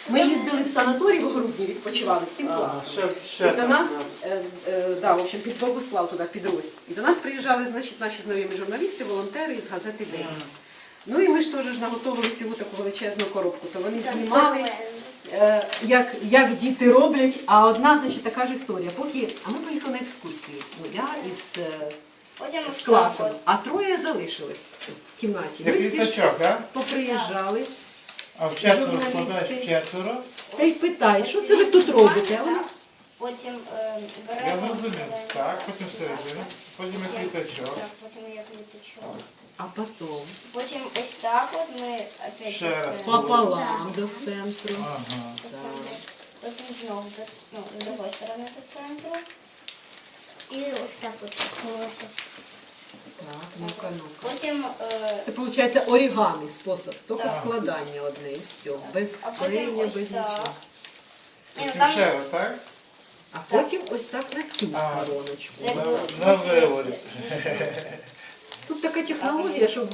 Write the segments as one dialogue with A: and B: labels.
A: Ми їздили в санаторій в грудні, відпочивали всім класом. І до нас, в общем, під Богуслав туди, під Рось. І до нас приїжджали, значить, наші знайомі журналісти, волонтери із газети «День». Ну і ми ж теж наготовили цілу таку величезну коробку. То вони знімали, як діти роблять, а одна, значить, така ж історія. А ми поїхали на екскурсію. Ну, я з класом, а троє залишились в кімнаті.
B: Як літачок, а?
A: Поприїжджали.
B: А в четверо складаєш в четверо?
A: Та й питають, що це ви тут робите? А вони,
C: Потім
B: Я
C: беремо...
B: зрозумів. Так, потім середина, потім як літачок.
C: Так, потім як літачок.
A: а потім
C: Потім ось так от ми опять
B: Ще раз.
A: пополам до центру.
B: Ага.
C: Потім знову з другої сторони до центру. І ось так от виходить.
A: Так, ну-ка, ну-ка.
C: Потім...
A: Це виходить орігамі спосіб, тільки
B: Так.
A: складання одне і все. Без
C: А потім
A: клеєння,
C: ось
A: без
C: так.
A: нічого.
C: Ні, ну
B: Потім
C: там...
B: ще раз, так?
A: А потім ось так на цю
B: Ага.
A: стороночку.
C: Це було.
B: На виворі.
A: Тут така технологія, що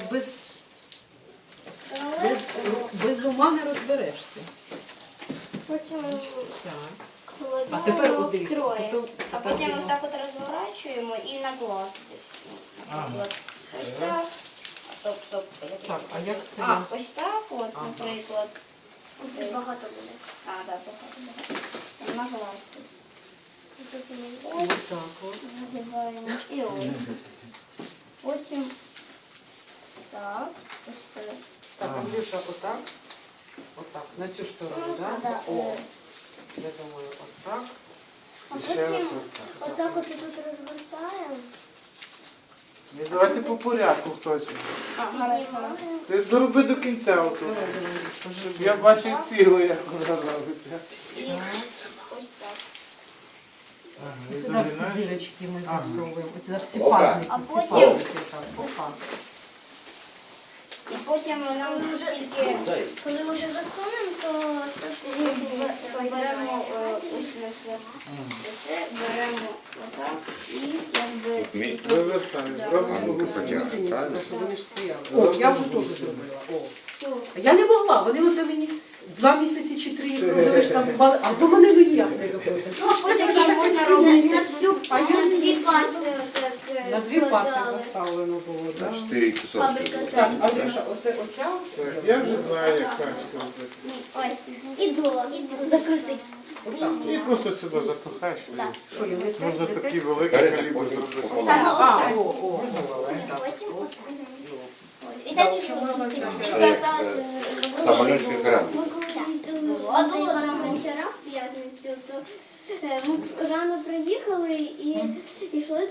A: без ума не розберешся.
C: Потім
A: Так.
C: кладемо
A: А тепер один.
C: втроє. А потім
A: Потім
C: ось так от розворачуємо і на глаз десь. Наприклад, ось так. Стоп.
A: Так, а як це?
C: Ось так от,
A: Ага.
C: наприклад. Тут багато буде. Так, багато буде. На глаз.
A: Ось так от.
C: Загибаємо. І ось. Потім так. Ось так.
A: Так, Андрюша, отак. Отак, на цю сторону, так?
C: Да.
A: О, я думаю, отак.
C: А
B: І ще раз
C: потім
B: отак.
C: отак от тут розгортаємо.
B: Ні, давайте по порядку хтось.
C: Гаразд.
B: Ти дороби до кінця отут. Щоб я бачив ціле, як вона робиться.
C: І ось так.
B: Ага, і
A: Сюди ці
B: загинаєш.
A: дірочки ми
B: Ага.
A: засовуємо. Оці зараз ці пазники,
C: А
A: ці
C: потім-
A: пазники там, опа.
C: І потім нам тільки, коли вже засунемо, то беремо ось у нас це, беремо отак і якби...
B: Вивертаєш, робимо
A: Гусениці, так, що вони ж стояли. О, я вже теж зробила. О. Я не могла, вони оце мені 2 місяці чи 3 робили штампували, а до мене ну ніяк не доходить.
C: Ну, а потім ще можна робити на всю
A: А я не
C: дві парти отак
A: на 2 парти
C: складали.
A: заставлено було, так?
D: 4 кусочки.
C: Фабрика
A: Так, Андрюша, оця
B: Так, я вже знаю, як тачка робити.
C: Ось, і до, закритий.
A: отак.
B: І просто сюди запихаєш.
C: Так.
A: Що, я не
B: Можна
A: те?
B: такі великі калібри зробити.
A: А, о.
C: Потім і так
D: Самолет как рано.
C: А було там вчора в п'ятницю, то ми рано приїхали і йшли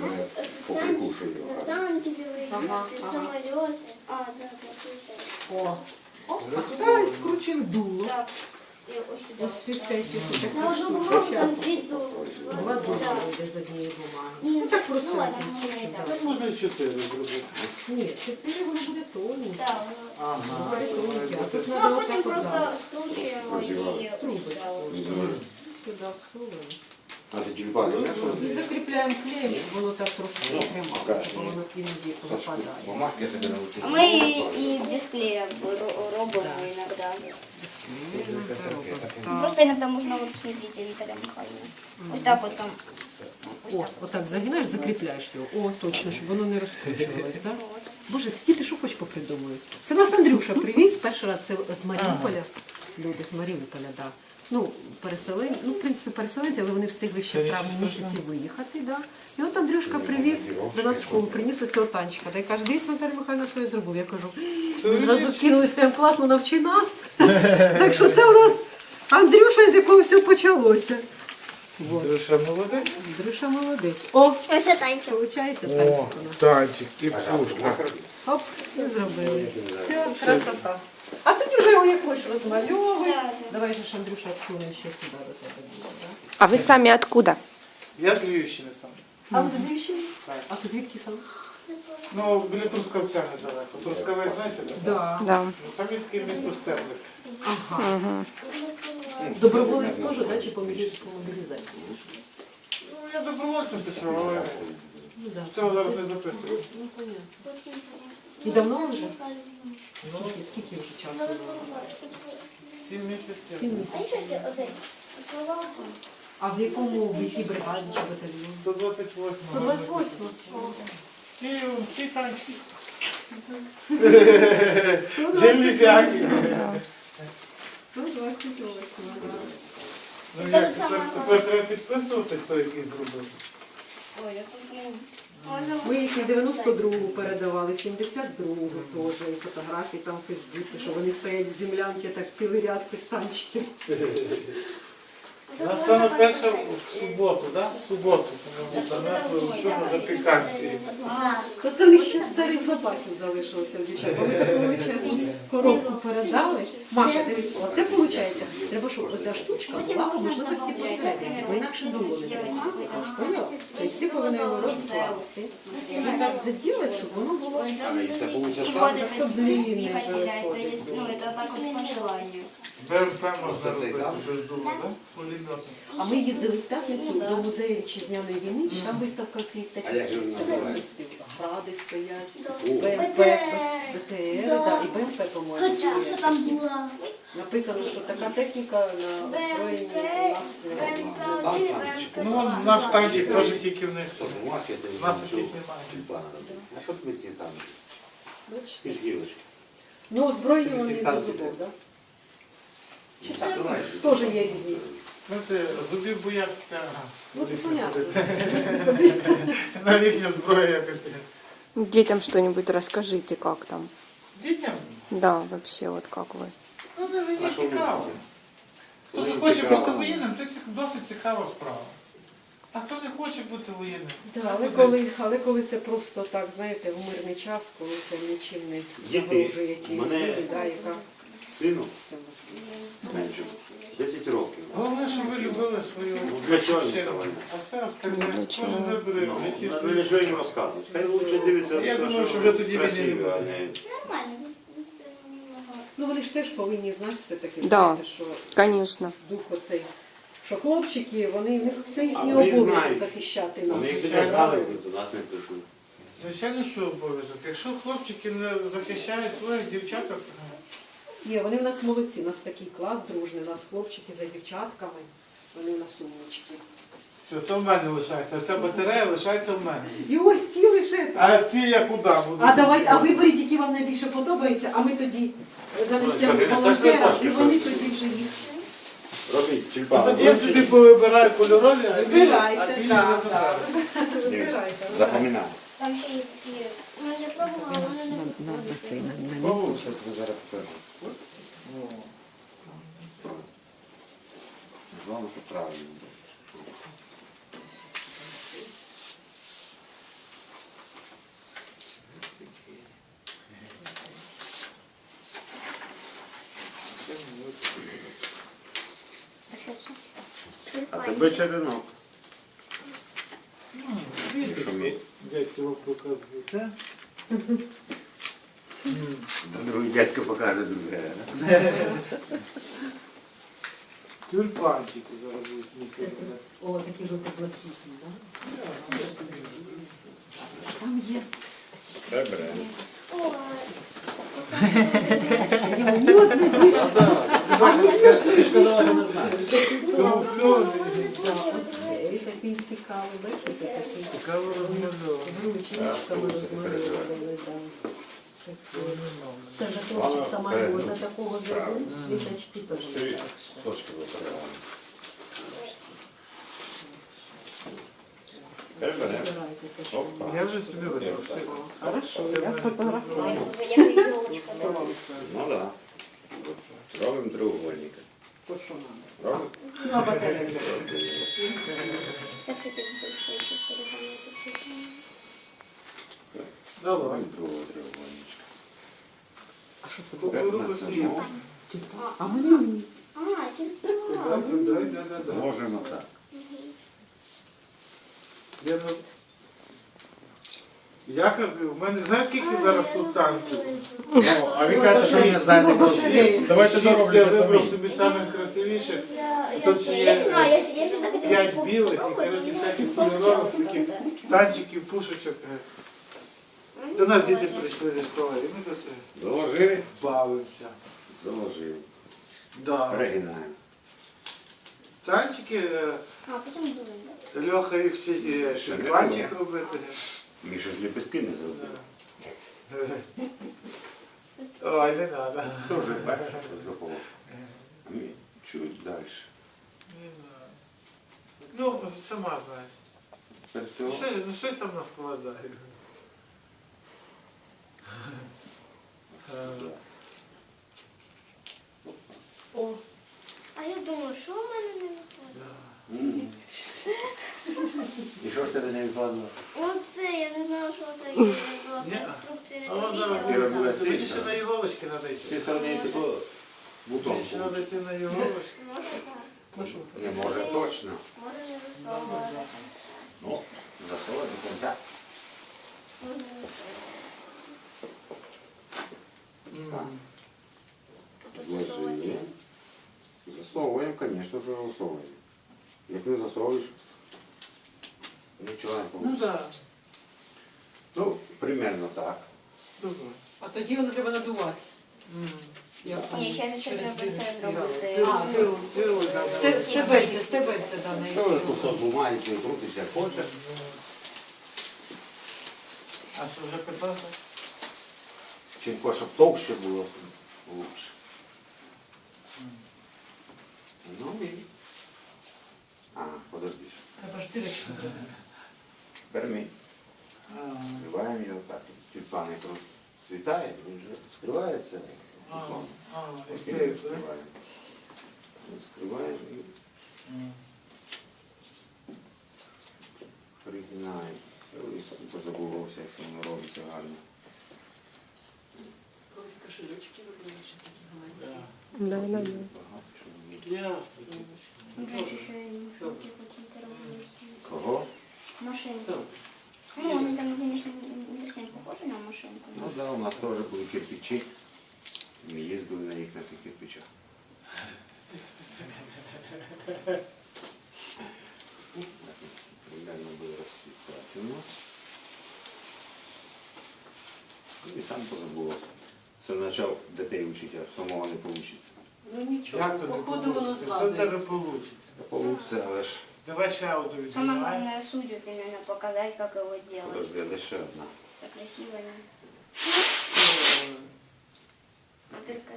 C: танки великі, самоліти. А, так,
A: О. А туди і скручив дуло.
C: так. І ось сюди.
A: Ось ці сеті.
C: На одну бумагу там 2 дули.
A: 2 дула йде з однієї бумаги.
C: Ні,
A: Ну так просто.
C: ну ладно,
A: один
C: не так.
B: Так можна і 4 зробити.
A: Ні, 4 воно буде тоненьке.
C: Так.
B: Ага.
A: Буде тоненьке. А тут
C: Ну,
A: треба
C: а потім
A: отак
C: просто
A: отак.
C: скручуємо і ось сюди.
A: Сюди всуємо.
D: А ты телефон
A: І закріпляємо клеєм, щоб воно так трошки трималося, бо воно іноді випадає.
D: Бумажки я тебе научу.
C: А ми і без клея робимо іноді. Просто іноді можна, от, смотрите, Наталя Михайловна. Ось так от там.
A: О, отак загинаєш, закріпляєш його. О, точно, щоб воно не розкручувалось, так? Боже, ці діти що хоч попридумують. Це нас Андрюша привіз перший раз це з Маріуполя. Люди з Маріуполя, так. Ну, переселенці, ну, в принципі, переселенці, але вони встигли ще в травні місяці виїхати, да. І от Андрюшка привіз до нас в школу, приніс оцього танчика. Та й каже, дивіться, Наталя Михайловна, що я зробив. Я кажу, ми зразу кинулись, кажемо, класно, навчи нас. Так що це у нас Андрюша, з якого все почалося. Вот.
B: Друша молодець.
A: Андрюша молодець. О,
C: Ось це танчик.
A: виходить,
B: О,
A: танчик у нас.
B: танчик і пушка.
A: Оп, і зробили. Все, красота. А тоді вже його як хочеш розмальовуй. Давай же ж, Андрюша, всунемо ще сюди до тебе було, так?
E: А вы сами откуда?
B: Я з Львівщини сам.
A: Сам з Львівщини?
B: Так.
A: А ти звідки сам?
B: Ну, біля Трускавця недалеко. Трускавець, знаєте, де?
A: Да.
E: Да.
B: Ну, там є таке місто Стерлик.
A: Ага. Доброволець теж, да, чи по мобілізації?
B: Ну, я добровольцем пішов, але
A: Ну, да.
B: цього зараз не записую.
A: Ну, понятно. І давно вже? Скільки вже часу?
B: 7 місяців.
A: 7
C: А
A: місяців.
C: нічого, оцей, слова.
A: А в якому в якій бригаді чи батальйоні?
B: 128.
A: 128.
B: Всі танчики. Железяки.
A: 128.
B: Ну як, тепер треба підписувати, хто який зробив.
C: Ой, я тут, блін. Може,
A: Ми їх і 92-гу передавали, 72-гу теж, і фотографії там в Фейсбуці, що вони стоять в землянці, так цілий ряд цих танчиків.
B: У нас саме перше в суботу, так? В суботу, тому занесли вчора запіканці.
A: То це в них ще старих запасів залишилося, дівчата. Вони таку величезну коробку передали. Маша, дивись, оце виходить. Треба, щоб оця штучка була по можливості посередині, бо інакше долони не буде. Поняла? Тобто ти повинен його розкласти і так заділити, щоб воно було
D: І це получиш
C: вот
D: там?
C: это
A: Как длинный
C: двигатель, а это
A: выходит.
C: есть, ну, это так вот по желанию.
B: БМП можна
D: Оце цей
B: робити
D: там?
B: без думу, так? Пулеметом.
A: А ми їздили в п'ятницю до музею вітчизняної війни, і там виставка цих
D: А
A: таких
D: як же вона називається?
A: гради стоять,
D: О.
A: БМП, БТР, да, і БМП, по-моєму.
C: Катюша там была.
A: Написано, що така техніка на озброєнні у нас немає.
C: БМП-1 и
B: Ну,
C: БМП-2.
B: наш танчик теж тільки в них.
D: Що, бумажки, ти
B: У нас
D: нічого.
B: таких немає.
D: Тюльпана. А що тобі ці там?
A: Бачите?
D: Ти ж гілочки.
A: Ну, озброєнні
D: Ці
A: вони до
D: танки
A: зубов,
D: треба.
A: так? Чи так?
D: Давай.
A: Теж є різні.
B: Знаєте, зубів бояться. ага.
A: Ну, це понятно.
B: На їхня зброя якось.
E: Детям что-нибудь расскажите, как там.
B: Дітям?
E: Да, вообще, вот как вы.
B: Ну, це мені
D: А що ви
B: цікаво.
D: робите?
B: Хто
D: Мені
B: захоче
D: цікаво.
B: бути воєнним, це досить цікава справа. А хто не хоче бути воєнним?
A: Да, але коли це просто так, знаєте, в мирний час, коли це нічим не
D: Діти,
A: загрожує тій
D: мене-
A: людині, да, яка
D: Сину,
A: це
D: 10 років.
B: Головне, щоб ви любили свою
D: Ну, для чого їм
B: батьківщину.
D: це війна?
B: А все остальне,
E: Для чого?
B: кожен вибере
D: Ну,
B: в житті
D: ну,
B: свою.
D: нічого їм розказувати. Хай лучше дивиться,
B: Я
D: те,
B: думаю, що вже тоді
D: красиве,
B: війни не
D: а
B: буде.
D: не...
C: Нормально, тут, в принципе, немного.
A: Ну вони ж теж повинні знати все-таки,
E: Да.
A: знаєте, що
E: Конечно.
A: дух оцей, що хлопчики, вони, в них це їхній
D: А вони
A: обов'язок
D: знають.
A: захищати нас.
D: Вони їх
B: звичайно.
D: не знали, до нас не прийшли.
B: Звичайно, що обов'язок. Якщо хлопчики не захищають своїх дівчаток,
A: Ні, вони в нас молодці, у нас такий клас дружний, у нас хлопчики за дівчатками, вони у нас умнички.
B: все, то в мене лишається. Ця батарея лишається в мене.
A: І ось ці лише так.
B: А ці я куди буду?
A: А давайте, а виберіть, які вам найбільше подобаються, а ми тоді занесемо
D: Слухай, ти
A: волонтера,
D: несеш
A: і
D: на
A: вони
D: пошті,
A: тоді вже їх
D: Робіть,
B: А
D: тюльпани.
B: тоді я собі повибираю кольорові, а
A: вибирайте,
B: білі
A: так,
B: не
A: так.
B: забираю.
A: Вибирайте.
D: Запам'ятай.
C: Там ще є такі, ми вже пробували, вони не
D: О, що ти зараз скажеш? Головне, що правильно. А це бичий ринок. Що ми?
B: Дядько вам показує, так?
D: Другий дядько покаже друге.
B: Тюльпанчики зараз будуть ніколи.
A: О, такі жовто-блакитні, так? Там є.
D: Добре.
A: От не вийшло.
D: Ти ж казала, що не знаєш.
B: Камуфльований.
A: Оцей такий цікавий, бачите, такий.
B: Цікаво розмальовано.
A: Ручечками розмальовували, так. Це вже хлопчик самоліта такого зробив, літачки теж.
D: Сочки виправляємо. Добре.
A: Вибирайте те, що
D: Опа.
B: Я вже собі вибрав.
A: Хорошо, я сфотографую.
C: як елочка, да.
D: Ну так. Да. Робимо треугольника.
A: То, що нам.
D: Робимо?
A: Ціла батарея.
C: Це, кстати, большой еще перегонки.
B: Давай.
D: Робимо другого треугольничка.
A: А що це
B: Кукурудзу
A: було?
B: хліб.
A: А мені?
C: А, тюльпан.
B: Да.
D: Зложимо так.
B: Я кажу, в мене знаєш скільки зараз тут танків?
D: А він каже, що він не знає такого. Давайте
B: Шість я
D: дороблю
B: вибрав
D: самі.
B: собі самих красивіших.
C: Я
B: Тут ще
C: я не
B: є
C: знаю, я всегда хотела
B: 5
C: попробовать,
B: білих і,
C: но
B: коротше,
C: не
B: всяких
C: знаю,
B: кольорових,
C: как
B: таких
C: это.
B: танчиків, пушечок. До нас діти прийшли зі школи, і ми тут
D: Заложили?
B: бавимося.
D: Заложили.
B: Да.
D: Перегинаємо.
B: Танчики,
C: А, потім будемо.
B: Льоха їх вчить
D: Ще не
B: пальчик
D: було.
B: робити.
D: Міша ж ліпестки не зробив.
B: Ой, не треба.
D: Тоже бачиш, допомог. А ми чуть далі.
B: Ну, сама знаєш.
D: Тепер цього.
B: Що я там наскладаю?
A: О,
C: А я думаю, що в мене не виходить?
D: М. І що ж тебе не відкладно?
C: Оце, я не знала, що це була
B: Ні.
C: конструкція, не
B: А вон
C: помітила.
B: зараз
D: Ти робила
B: Мені
D: стільки?
B: ще на іголочки треба
D: З
B: йти.
D: цієї сторони тако бутон.
B: Мені ще треба йти на іголочки.
C: Може так.
D: Не може точно.
C: Може не засовувати.
D: Ну, засовувати до кінця.
C: Може не засовувати.
D: Зложили. Засовуємо, звісно ж, засовуємо. Як не засовуєш, нічого не
B: Ну
D: вийде.
B: так.
D: Ну, примерно так.
B: Добре.
A: а тоді воно треба надувати. Як там?
C: Ні, ще
A: Через
C: треба
A: дирочку.
C: це зробити.
A: А, стебельце, да, на
D: Це вже
A: які.
D: кусок бумаги, ти крутиш як хочеш.
B: А що вже питався?
D: Чим щоб товще було, лучше. Ну і... А, подожди.
A: Треба ж дирочку зробити.
D: Тепер ми скриваємо його так. Тюльпан як розцвітає, він вже скривається. Тюльпан. Ось ми його скриваємо. Скриваємо і пригинаємо. Ой, сам позабувався, як це воно робиться гарно.
A: Колись кошелечки робили, ще такі маленькі.
E: Да, да, да.
D: Багато чого є.
B: Ясно.
C: Більше ще й жовті хочуть робити.
D: Кого?
C: Машинку. Ну, вони там, звісно, не зовсім похожі на машинку.
D: Ну да, у нас теж були кирпичі. Ми їздили на них на тих кирпичах. Примерно буде розсвітати у нас. І сам позабував. Це почав дітей вчити, а самого не вийде.
A: Ну нічого,
B: Як то не
A: походу воно
B: вийде? Що в тебе
A: складається.
B: вийде?
D: Та вийде, але ж
B: Давай ще аудио
C: Самое
B: відзнімай.
C: главное судью именно показать, как его делать.
D: подожди, а де ще одна.
C: Так красиво. Не? Только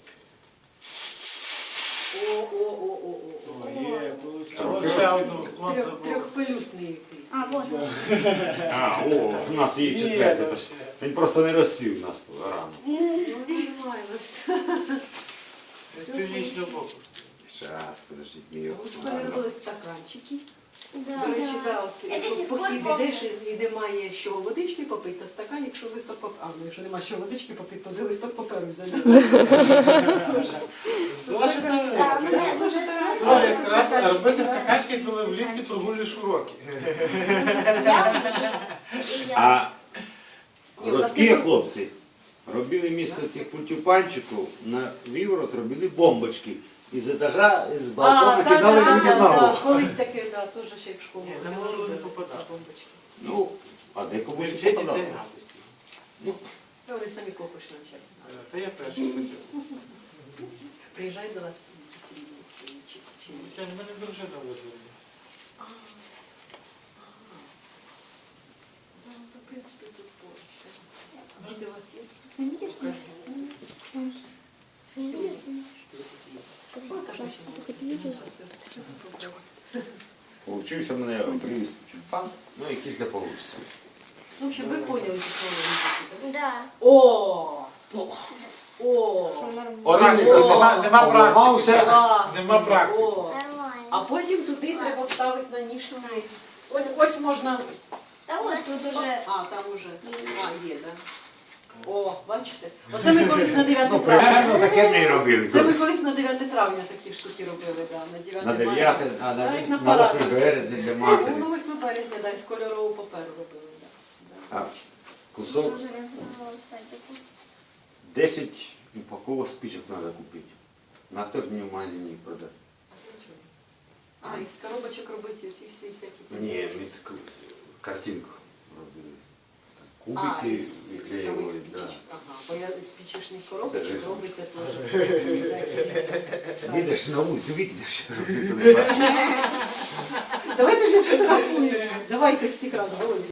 A: О.
B: Є, получилось. А от ще одну. От забув.
A: Трьохпелюсний якийсь.
C: А, вот. Вот.
D: А, о, у нас є
B: Є,
D: четвертий.
B: там ще.
D: Він просто не розсвів у нас рано.
A: Ну, нормально все.
B: З північного боку.
D: Щас, подождіть, мій.
A: От у мене були стаканчики.
C: Да,
A: До речі,
C: да.
A: да, от,
C: Это
A: якщо
C: сих пор
A: похід
C: помню.
A: ідеш і немає що водички попити, то стакан, якщо листок паперу. А, ну якщо немає що водички попити, то листок паперу взяти.
C: Да, ну, я тоже так.
B: То якраз робити стаканчики, коли в лісі прогулюєш уроки.
C: Я умею. И я.
D: А
A: Ні, у нас
D: городські
A: не-
D: хлопці робили місто цих пультюпанчиків на виворот, робили бомбочки. Із етажа, з балкона кидали людям на голову.
A: колись таке, да, теж ще як в школу.
B: Ні,
A: ходила,
B: на голову не
A: робила
B: попадало.
A: бомбочки.
D: Ну, а де
B: Ви
D: комусь
B: вчите
D: попадало.
B: дітей гадості.
D: Ну,
A: Та вони самі копиш навчать.
B: Це я перший хотів.
A: Приїжджай до нас в Срібні чи
B: Це в мене дружина вижила.
A: Ну, то, в принципі, тут поруч. Діти у вас є?
C: Снимите что? Снимите что?
A: Ну, так,
D: Получився в мене привіз тюльпан, ну якийсь для получиться.
A: Ну, в общем, ви поняли, що це.
C: Да.
A: О! О!
C: Что нормально.
D: Один
B: Просто нема практики.
D: обламався.
A: Клас!
B: Нема практики.
A: О! А
C: Нормально.
A: потім туди треба вставити на ніж цей. Ось можна.
C: Да вот тут уже.
A: А, там уже. А, є, так. О, бачите? Оце ми колись на 9
D: Ну,
A: травня.
D: примерно таке ми і робили.
A: Це ми
D: колись.
A: колись на 9 травня такі штуки робили, да, на 9
D: На
A: мая.
D: 9, а
A: Так,
D: на
A: парад.
D: 8 березня для
A: Ну,
D: матері.
A: на 8 березня, да, з кольорового паперу робили, да.
D: А кусок
C: Тоже разного садику.
D: 10 упаковок спичок треба купити. На хто ж мені в магазині їх продати?
A: А, із коробочок робити ці всі всякі.
D: Ні, ми таку картинку робили. кубики
A: із самих
D: відклеювали,
A: спичечок.
D: да.
A: Ага, бо я з спичечних
D: Це
A: коробочок
D: рисом.
A: робиться теж.
D: Їдеш на вулицю, видиш,
A: Давайте ж я сфотографую. Давайте всіх разом.